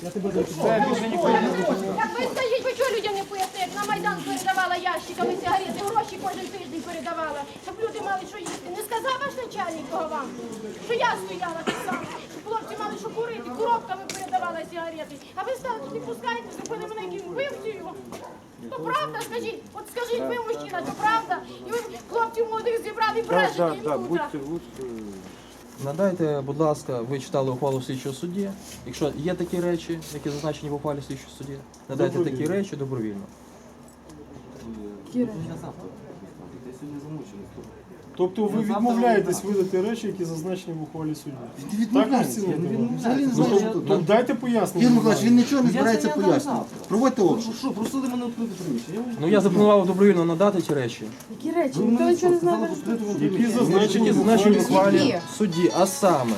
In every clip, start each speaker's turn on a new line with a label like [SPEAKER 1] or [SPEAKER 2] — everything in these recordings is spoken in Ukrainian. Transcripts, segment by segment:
[SPEAKER 1] Як ви скажіть, ви чого людям не пояснили? Як на Майдан передавала ящиками сигарети, гроші кожен тиждень передавала, щоб люди мали що їсти. Не сказав ваш начальник того вам, що я стояла так само, щоб хлопці мали що курити, коробками передавала сигарети. А ви стали не пускаєте, зробили мене яким вбивцею. То правда, скажіть, от скажіть ви, мужчина, то правда? І ви хлопців молодих зібрали і брешете їм тут.
[SPEAKER 2] Надайте, будь ласка, ви читали ухвалу слідчого судді. Якщо є такі речі, які зазначені в ухвалі слідчого судді, надайте такі речі добровільно.
[SPEAKER 3] Тобто ви відмовляєтесь видати речі, які зазначені в ухвалі судді? Ну, дайте пояснення.
[SPEAKER 4] Ігор Миколаївич, він нічого не збирається пояснювати. Проводьте обшук.
[SPEAKER 5] Що, просили мене відкрити приміщення?
[SPEAKER 2] Ну я запропонував добровільно надати ці речі,
[SPEAKER 1] Які речі? Ніхто нічого не знає.
[SPEAKER 3] Які зазначені
[SPEAKER 2] які
[SPEAKER 3] в
[SPEAKER 2] зазначені в
[SPEAKER 3] ухвалі
[SPEAKER 2] ухвалі судді, а саме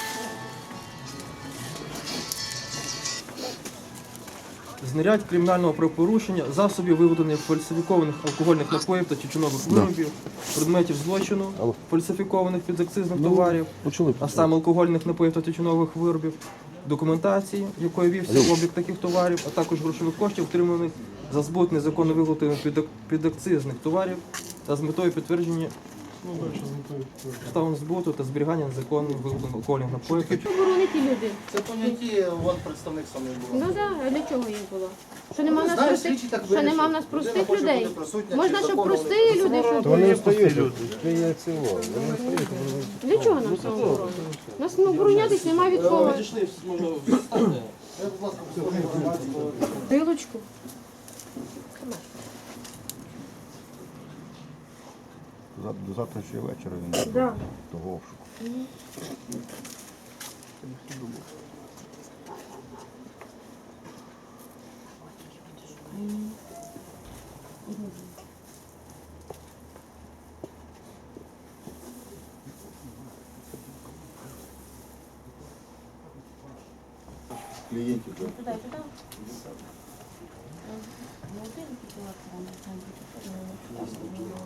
[SPEAKER 2] знарядь кримінального правопорушення, засобів виготовлення фальсифікованих алкогольних напоїв та тютюнових виробів, предметів злочину, фальсифікованих підакцизних товарів, а саме алкогольних напоїв та тютюнових виробів, документації, якою вівся облік таких товарів, а також грошових коштів, отриманих за збут незаконно виготовлених підакцизних товарів та з метою підтвердження обставин збуту та зберігання незаконно виготовлених алкогольних напоїв.
[SPEAKER 1] Оборонити люди.
[SPEAKER 4] Це поняття, от представник саме було.
[SPEAKER 1] Ну так, а для чого їм було? Що нема в нас простих, що нема в нас простих людей? Можна, щоб прості люди, щоб...
[SPEAKER 6] Вони встають люди.
[SPEAKER 1] Для чого нам самооборона? Нас оборонятись немає від кого. Пилочку.
[SPEAKER 6] До завтрашнього вечора він того обшуку.
[SPEAKER 4] Клієнтів.